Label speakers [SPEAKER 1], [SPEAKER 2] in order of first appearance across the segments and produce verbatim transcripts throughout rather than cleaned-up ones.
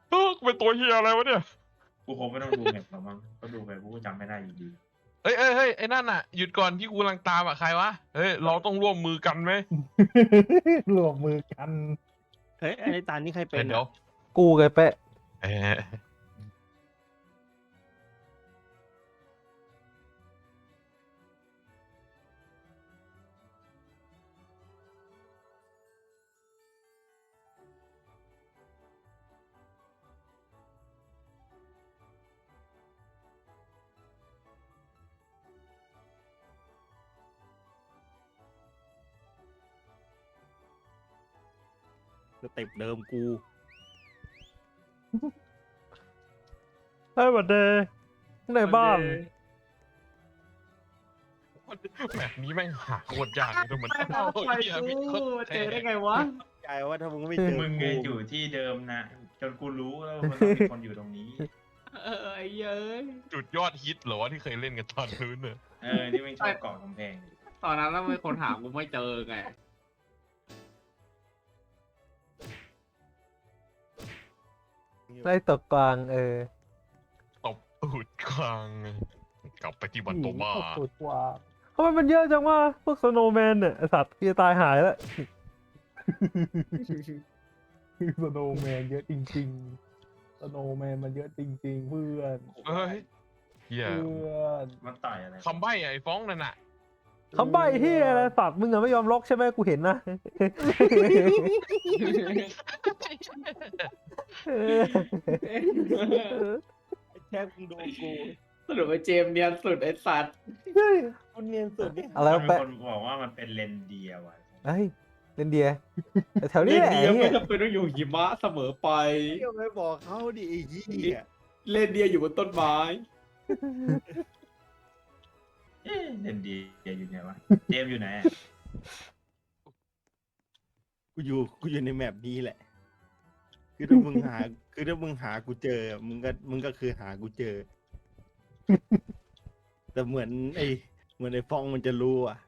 [SPEAKER 1] เออกูเป็นตัวเฮียอะไรวะเนี่ย
[SPEAKER 2] กูคงไม่ต้องดูแมปหรอกมั้งก็ดูไปกูก็จำไม่ได้อยู่ดี
[SPEAKER 1] เฮ้ยเฮ้ยเฮ้ยไอ้นั่นน่ะหยุดก่อนที่กูกำลังตามอ่ะใครวะเฮ้ยเราต้องร่วมมือกันไหม
[SPEAKER 3] รวมมือกัน
[SPEAKER 4] เฮ้ยไอ้ตานี่ใครเป็
[SPEAKER 1] เฮ้ย
[SPEAKER 4] น
[SPEAKER 1] เดี๋ยว
[SPEAKER 3] กูไงเป๊ะ
[SPEAKER 1] เอ้ย
[SPEAKER 4] สเต็ปเดิมกู
[SPEAKER 3] เฮ้ยบัดเดย์ในบ้าน
[SPEAKER 1] แบบนี้แม่งหาโคตรยากเลยทุกมัน
[SPEAKER 5] ไม่เอาไป
[SPEAKER 1] เหี้ย
[SPEAKER 5] กู
[SPEAKER 1] มีโคตร
[SPEAKER 5] เจอได้ไงวะ
[SPEAKER 4] ใจว่าถ้ามึงไม่เจอ
[SPEAKER 2] มึงไง
[SPEAKER 4] กู
[SPEAKER 2] อยู่ที่เดิมนะจนกูรู้แล้วว่ามันต้องมีคนอยู่ตรงนี้
[SPEAKER 5] เออไอ้เย้ย
[SPEAKER 1] จุดยอดฮิตเหรอวะที่เคยเล่นกันตอนนู้นเนี่ย
[SPEAKER 2] เออนี่ไม่งชอบเกาะกำแพงอยู่
[SPEAKER 5] ตอนนั้นแล้วมีคนหากูไม่เจอไง
[SPEAKER 3] ได้ตกกลางเออ
[SPEAKER 1] ตบตูดกลางกลับไปที่บันโตมา
[SPEAKER 3] ตกสุดกว่าทำไมมันเยอะจังวะพวกสโนว์แมนเนี่ยไอ้สัตว์จะตายหายแล้วสโนว์แมนเยอะจริงๆสโนว์แมนมันเยอะจริงๆเพื่อน
[SPEAKER 1] เฮ้ยเฮีย
[SPEAKER 3] เพื่อน
[SPEAKER 2] มันต่อยอะไร
[SPEAKER 1] คำใบ้ไอ้ฟ้องนั่นน่ะ
[SPEAKER 3] คำใบ้ที่อะไรสัตว์มึงอะไม่ยอมล็อกใช่ไหมกูเห็นนะ
[SPEAKER 4] แค่มึงโดนกู
[SPEAKER 5] สรุปไอ้เจมส์เนียนสุดไอ้สัตว์
[SPEAKER 4] คุณเนียนสุดเนี่ย
[SPEAKER 3] อะไร
[SPEAKER 2] มัน
[SPEAKER 3] วะ
[SPEAKER 2] มี
[SPEAKER 3] แปะ
[SPEAKER 2] คนบอกว่ามันเป็นเลนเดียว่ะ
[SPEAKER 3] เฮ้ยเล่นเดียแถวนี้
[SPEAKER 5] เล่น
[SPEAKER 3] แหละ
[SPEAKER 5] เดียว
[SPEAKER 3] ไอ้
[SPEAKER 5] ไม่
[SPEAKER 3] เหี้ย
[SPEAKER 5] จำเป็นต้องอยู่หิมะเสมอไป
[SPEAKER 4] เที่ยวไม่บอกเขาดิไอ้ยี่
[SPEAKER 5] เล่นเดียวอยู่บนต้นไม้
[SPEAKER 2] เอ๊ะเลนเดียอยู่ไหนวะเจมส์อยู่ไหนอะ
[SPEAKER 4] กูอยู่กูอยู่ในแมปนี้แหละ คือถ้ามึงหา คือถ้ามึงหากูเจอ มึงก็มึงก็คือหากูเจอ แต่เหมือนไอ้เหมือนไอ้ฟองมันจะรู้อ่ะ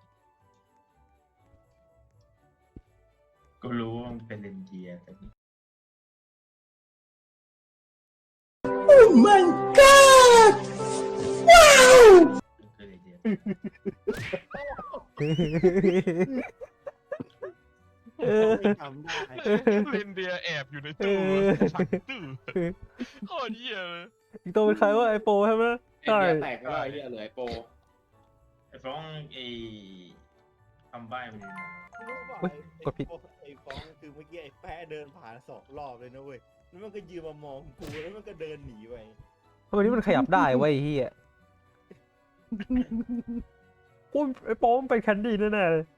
[SPEAKER 2] ก็รู้ว่ามันเป็นเลนเดียแต่นี่ คือเลนเดีย
[SPEAKER 3] เออ
[SPEAKER 4] ไม่ทำได้
[SPEAKER 1] เลนเดียแอบอยู่ในตู้
[SPEAKER 3] เออ
[SPEAKER 1] ชักตู้โคตรเหี้ยเลย
[SPEAKER 3] อีกตัวเป็นใครวะไอโปใช่ไหม
[SPEAKER 5] ไอ้
[SPEAKER 3] ใช่
[SPEAKER 5] เดียแตกไปแล้วไอ้เหี้ยเหลือไอ้โป
[SPEAKER 2] ไอ้ฟ้องไอ้คำใบ้มันอยู่ไหน
[SPEAKER 3] เฮ้ยกดผิด
[SPEAKER 4] ไอ้ฟองคือเมื่อกี้ไอ้แปะเดินผ่านสองรอบเลยนะเว้ย แล้วมันก็ยืนมามองกูแล้วมันก็เดินหนีไป
[SPEAKER 3] ทำไมนี่มันขยับได้เว้ยไอ้เฮียกูไอโปมันเป็นแคนดี้แน่ๆเลย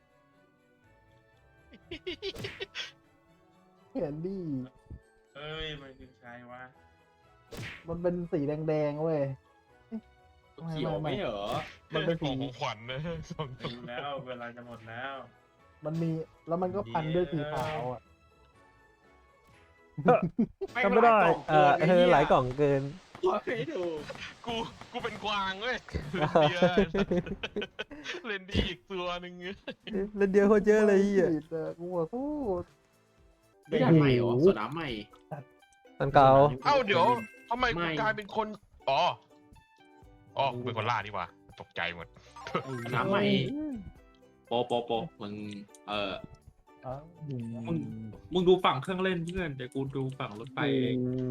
[SPEAKER 3] แคนดี้
[SPEAKER 2] เอ้ยมันคือใครวะ
[SPEAKER 3] มันเป็นสีแดงๆเว้ย
[SPEAKER 5] เขียวไม่เหรอ
[SPEAKER 3] มันเป็น
[SPEAKER 1] ข
[SPEAKER 3] สี
[SPEAKER 1] องขวัญนะสอง
[SPEAKER 2] ถึงแล้วเวลาจะหมดแล้ว
[SPEAKER 3] มันมีแล้วมันก็พันด้วยสีขาวอ่ะ
[SPEAKER 5] แม่ง
[SPEAKER 3] จำไม่ได้
[SPEAKER 5] หลายกล่อง
[SPEAKER 3] เออ
[SPEAKER 5] เกินไอ้
[SPEAKER 3] เอ
[SPEAKER 5] เหี้
[SPEAKER 3] อย หลายกล่องเกิน
[SPEAKER 5] ไม่ถูก
[SPEAKER 1] กูกูเป็นกวางเว้ยเลนเดียเลนเดียอีกตัวหนึ่ง
[SPEAKER 3] เล่นเดียวโคตรเยอะเลยไอ้เฮียกูขอโทษ
[SPEAKER 5] ไม่ได้ใหม่เหรอโซดาใหม่
[SPEAKER 3] ตันเก่า
[SPEAKER 1] เอ้าเดี๋ยวทำไม
[SPEAKER 5] ไม่
[SPEAKER 1] กูกลายเป็นคนอ๋ออ๋อกูเป็นคนล่าดีกว่าตกใจหมด
[SPEAKER 5] น้ำใหม่ โปโปโปมึงเออ
[SPEAKER 3] อ้าว
[SPEAKER 5] มึง มึงดูฝั่งเครื่องเล่นเพื่อนแต่กูดูฝั่งรถไฟเอง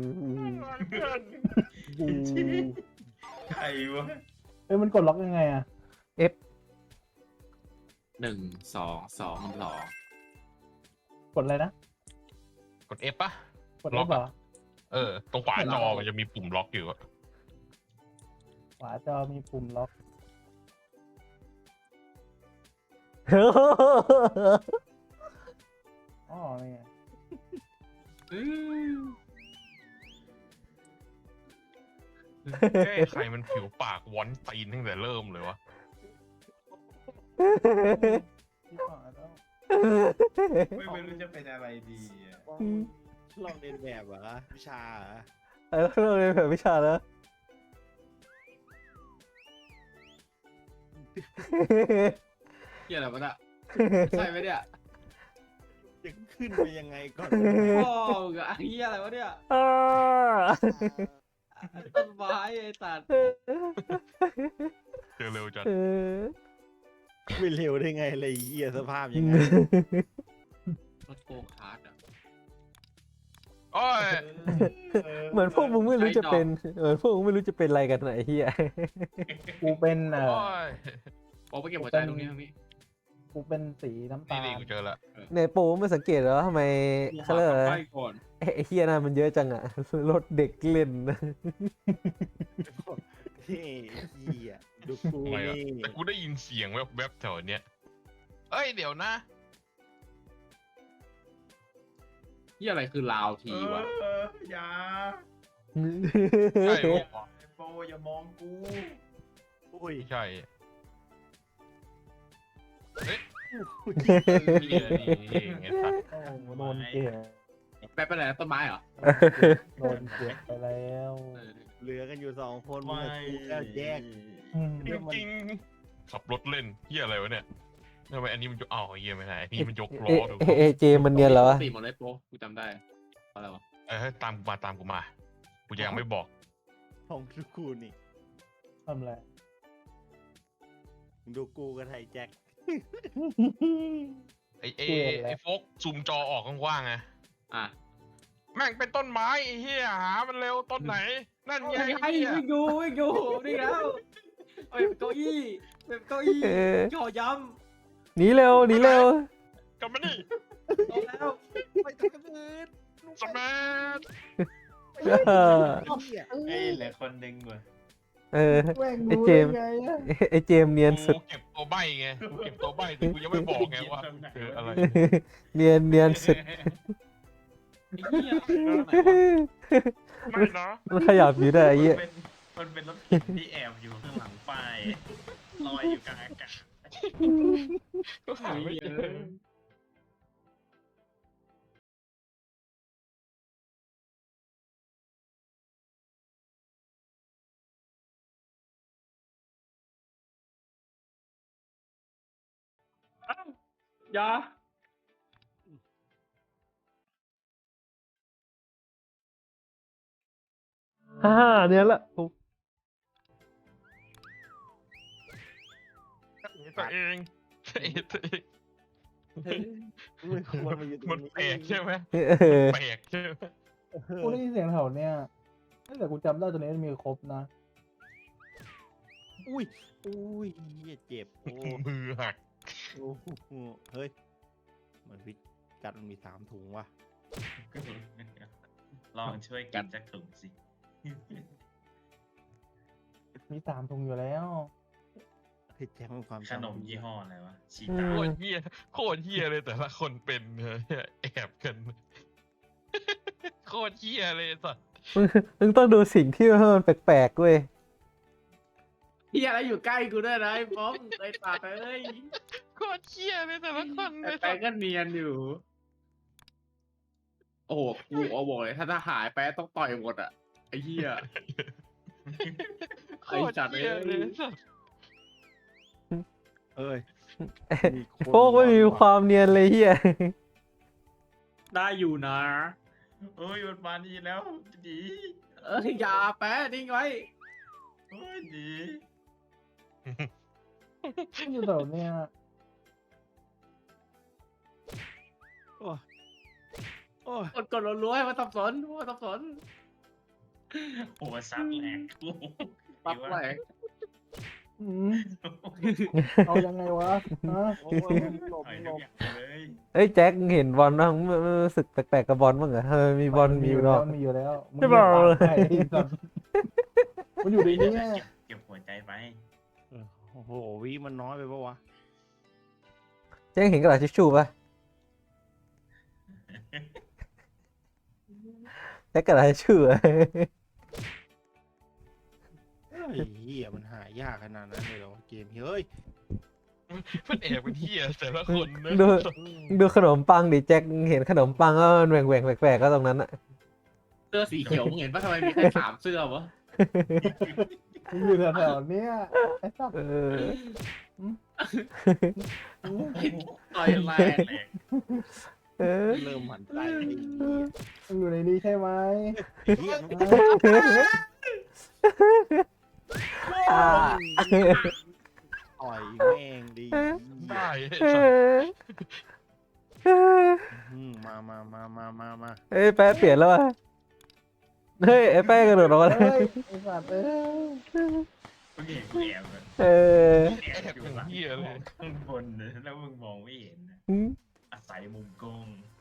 [SPEAKER 3] กู
[SPEAKER 2] ใครวะ
[SPEAKER 3] เอ้ยมันกดล็อกยังไงอ่ะ F
[SPEAKER 5] หนึ่งสองสองสอง
[SPEAKER 3] กดอะไรนะ
[SPEAKER 1] กด F ปะ
[SPEAKER 3] กด F เหรอ
[SPEAKER 1] เออตรงขวาจอมันจะมีปุ่มล็อกอยู่อะ
[SPEAKER 3] ขวาจอมีปุ่มล็อกอ๋อนี่ไง
[SPEAKER 5] อื้อ
[SPEAKER 1] เอ้ยใครมันผิวปากวอนตีนตั้งแต่เริ่มเลยวะ
[SPEAKER 3] ที่ขวาแล้ว
[SPEAKER 2] ไม่ไม่รู้จะเป็นอะไรดีอะ
[SPEAKER 4] ลองเรียนแบบเหรอวิชาเหรอ
[SPEAKER 3] ไอ้เราเรียนแบบวิชาแล้ว
[SPEAKER 5] เหี้ยอะไรวะเนี่ยใช่ไหมเนี่ย
[SPEAKER 4] จะขึ้นไปยังไงก่อน
[SPEAKER 5] พ่อมึงอะไอ้เหี้ยอะไรวะเนี่ย
[SPEAKER 3] เออ
[SPEAKER 5] ต้นไม้ไอ้สัตว์
[SPEAKER 1] เจอเร็วจัด
[SPEAKER 3] เออ
[SPEAKER 4] ไม่เร็วได้ไงอะไรเหี้ยสภาพยังไง
[SPEAKER 5] รถโกคาร์ดอ่ะ
[SPEAKER 1] โอ้ย
[SPEAKER 3] เหมือนพวกมึงไม่รู้จะเป็นเหมือนพวกมึงไม่รู้จะเป็นอะไรกันไหนเฮีย กูเป็นเอ่
[SPEAKER 1] โอ้
[SPEAKER 3] อย
[SPEAKER 5] โอ้ไปเก็บหัวใจตรงนี้ตรงนี้
[SPEAKER 3] กูเป็นสีน้ำ
[SPEAKER 1] นี่
[SPEAKER 3] ตา
[SPEAKER 1] นี่
[SPEAKER 3] ล
[SPEAKER 1] กูเจอละ
[SPEAKER 3] ในโปรไม่สังเกตเหรอทำไมเขาเรียกอะไร
[SPEAKER 5] ไป
[SPEAKER 3] นะ
[SPEAKER 5] ก่อน
[SPEAKER 3] ไอ้ไอ้เฮียน่ะมันเยอะจังอะรถเด็กเล่น
[SPEAKER 4] เฮ้ยเหี้ยดูกู
[SPEAKER 1] ทำไมอะ
[SPEAKER 4] นี่
[SPEAKER 1] แต่กูได้ยินเสียงแวบๆแถวเนี้ยเอ้ยเดี๋ยวนะ
[SPEAKER 5] เหี้ยอะไรคือลาวทีวะ
[SPEAKER 2] เอออย่า
[SPEAKER 1] ใช่ปะวะ
[SPEAKER 2] ไอ้โปอย่ามองกู
[SPEAKER 4] อุ้ย
[SPEAKER 1] ไม่ใช่เฮ้ย
[SPEAKER 4] อุ้ย
[SPEAKER 1] นี่นี่ไงสัตว์
[SPEAKER 3] โอ้โหโดนเกลียด
[SPEAKER 5] ไปไปไหนนะต้นไม้เหรอ
[SPEAKER 3] โดนเกลียดไปแล้ว
[SPEAKER 5] เออ
[SPEAKER 4] เหลือกันอยู่สองคนมึง
[SPEAKER 2] ไม่
[SPEAKER 4] กับกูแล้วแยก
[SPEAKER 3] อืม
[SPEAKER 1] จริงๆขับรถเล่นเฮียอะไรวะเนี่ยทำไมอันนี้มันยกอ้าวเฮียไม่ได้อันนี้มันยกล้อ
[SPEAKER 3] เอะ
[SPEAKER 1] ดู
[SPEAKER 3] เอะเอะเจมันเนียนเหรอวะ
[SPEAKER 5] ตีหมดเลยโปกูจำได้อะไรวะ
[SPEAKER 1] เออตามกูมาตามกูมากูยังไม่บอก
[SPEAKER 4] ของดูกูนี่
[SPEAKER 3] ทำอะไร
[SPEAKER 4] มึงดูกูกับไทยแจ็ค
[SPEAKER 1] ไอเอไอโฟกซูมจอออกกว้างๆไง
[SPEAKER 5] อ่ะ
[SPEAKER 1] แม่งเป็นต้นไม้ไอ้เฮียหามันเร็วต้นไหน นั่นไง
[SPEAKER 5] ไอ้
[SPEAKER 1] ไอ้เฮีย
[SPEAKER 5] วิ่งดูวิ่งดูนี่แล้วเอาเป็นเก้าอี้เป็นเก้าอี้
[SPEAKER 3] เออ
[SPEAKER 5] ย่อย้
[SPEAKER 3] หนีเร็วหนีเร็ว
[SPEAKER 1] กลับมานี่
[SPEAKER 5] ำเอาแล้ว
[SPEAKER 4] ไปตรงอื่น
[SPEAKER 1] สแมัท
[SPEAKER 3] เออ
[SPEAKER 4] เหี้ย
[SPEAKER 2] เอ้ยเหลือคนหนึ่งว่ะ
[SPEAKER 3] เออ
[SPEAKER 6] แม่ง
[SPEAKER 3] ไอ้
[SPEAKER 6] รู้
[SPEAKER 3] เจ
[SPEAKER 6] ได้
[SPEAKER 3] มส์
[SPEAKER 6] ไงอะ
[SPEAKER 3] ไอ้เจมเนียนสุด
[SPEAKER 1] กูเก็บตัวใบไงกูเก็บตัวใบแต่กูยังไม่บอกไงว่าคืออะไร
[SPEAKER 3] เนียนเนียนสุด
[SPEAKER 5] ไอ้เหี้ย
[SPEAKER 1] ไม่นะ
[SPEAKER 3] มันขยับอยู่ได้ไอ้เหี้ย
[SPEAKER 2] มันเป็นมันเป็นรถเข็นที่แอบอยู่ข้างหลังป้ายลอยอยู่กลางอากาศ
[SPEAKER 1] ก็หาไม่เจอ
[SPEAKER 5] อยา
[SPEAKER 3] ฮ่าเนียนละโอ้
[SPEAKER 1] ตัวเองเองตัวเอง
[SPEAKER 4] ไม่ควรมาอยู่ตรง
[SPEAKER 1] มัน
[SPEAKER 4] นี้
[SPEAKER 1] แปลกใช่ไหม
[SPEAKER 3] เออ
[SPEAKER 1] แปลกใช่ไหม
[SPEAKER 6] กูได้ยินเสียงแถวเนี้ยแต่กูจำได้ตัวนี้มันมีครบนะ
[SPEAKER 4] อุ้ยอุ้ยเหี้ยเจ็บโอ้
[SPEAKER 1] มือหัก
[SPEAKER 4] โอ้โหเฮ้ยมันพิษกัดมันมีสามถุงว่ะ
[SPEAKER 2] ลองช่วยกันสักถุงสิ
[SPEAKER 6] มีสามถุงอยู่แล้ว
[SPEAKER 4] เฮ้ยแจ็คมันความ
[SPEAKER 2] ขนมยี่ห้ออะไรวะชี
[SPEAKER 3] อื
[SPEAKER 2] ตาม
[SPEAKER 1] โคตรเฮียโคตรเฮียเลยแต่ละคนเป็นเนี่ยแอบกัน โคตรเฮียเลยสัส
[SPEAKER 3] มึงมึงต้องดูสิ่งที่มันแปลกๆเว้ย
[SPEAKER 5] เหี้ยอะไรอยู่ใกล้กูด้วยนะไอ้ป้อมไอ้ตาเอ้ย
[SPEAKER 1] โคตรเฮียเลยแต่ละคน
[SPEAKER 5] ไอ้
[SPEAKER 1] เลย
[SPEAKER 5] แป๊
[SPEAKER 1] สั
[SPEAKER 5] ก
[SPEAKER 1] ส
[SPEAKER 5] ก็เนียนอยู่ โอ้โหกูเอาบอกเลยถ้าถ้าหายแป๊กต้องต่อยหมดอ่ะไอ้เหี้ย
[SPEAKER 1] โคตรเฮียเลยสัส
[SPEAKER 4] เอ้ยมีคน
[SPEAKER 3] พวกไม่มีความเนียนเลยเฮีย
[SPEAKER 5] ได้อยู่นะ
[SPEAKER 2] โอ้ยมันมาดีแล้วดี
[SPEAKER 5] เอ้ยอย่าแป๊ะนิ่งไว้
[SPEAKER 2] โอ้ยดี
[SPEAKER 6] มันอยู่แถวเนี้ย
[SPEAKER 4] โอ้ยโอ้ย
[SPEAKER 5] กดกดรัวๆให้มันสับสนมันสับสน
[SPEAKER 2] โอ้ยซัดแหลกกู
[SPEAKER 5] ปั๊บไหล
[SPEAKER 6] อืมเอายังไงวะฮะ
[SPEAKER 4] โอ้ยหลบ
[SPEAKER 2] ต่อย
[SPEAKER 4] หล
[SPEAKER 2] ทุก
[SPEAKER 4] บ
[SPEAKER 2] อย่างเลย
[SPEAKER 3] เอ้ยแจ็คเห็นบอลบ้างไม่ไม่รู้สึกแปลกๆกับบอลบ้างเหรอเออมีบอลมีอยู่เนาะ
[SPEAKER 6] มันมีอยู่แล้วมึง
[SPEAKER 3] ไม่บอกเลย
[SPEAKER 6] ไอ้สัตว์มันอยู่ในนี้
[SPEAKER 2] เก็บเก็บหัวใจไป
[SPEAKER 4] เออโอ้โหวิมันน้อยไปปะวะ
[SPEAKER 3] แจ็คเห็นกระดาษทิชชู่ปะแจ็คกระดาษทิชชู่อะ
[SPEAKER 4] เฮ้ยเหี้ยมันหายากขนาดนั้นเลยเหรอวะเกมเฮ้ย
[SPEAKER 1] มันแอบเป็นเฮียแต่ละคนนะ
[SPEAKER 3] ดูดูขนมปังดิแจ็คเห็นขนมปังก็มันแหว่งๆแปลกๆก็ตรงนั้นอะ
[SPEAKER 5] เสื้อสีเขียวมึงเห็นปะทำไมมีแค่สามเสื้อวะ
[SPEAKER 6] มันอยู่แถวๆเนี้ยไอ้สัตว์
[SPEAKER 3] เออ
[SPEAKER 5] ต่อยแรง
[SPEAKER 2] แหลก
[SPEAKER 3] เออ
[SPEAKER 4] เริ่มหมั่นไส้ไอ้เหี้ย
[SPEAKER 6] มึงอยู่ในนี้ใช่ไหม
[SPEAKER 4] ไอ้เหี้ยมัน
[SPEAKER 3] อ่า
[SPEAKER 4] ต่อยแม่งดี
[SPEAKER 1] ได้ไอ้
[SPEAKER 3] เอ
[SPEAKER 1] สัส
[SPEAKER 3] อเออ
[SPEAKER 4] อืมมามามามามามา
[SPEAKER 3] เอ้ยแป๊ะเปลี่ยนแล้วว่ะเฮ้ยไอ้แป๊ะกระโดดออกมาแล้ว
[SPEAKER 6] เฮ้ยไอ้สัตว์เอ้ย
[SPEAKER 2] มึงเห็นกูแอบเลย
[SPEAKER 3] เออ
[SPEAKER 2] แอบอยู่หลังข้างบนนะแล้วมึงมองไม่เห็นนะ
[SPEAKER 3] อืม
[SPEAKER 2] อาศัยมุมกล้อง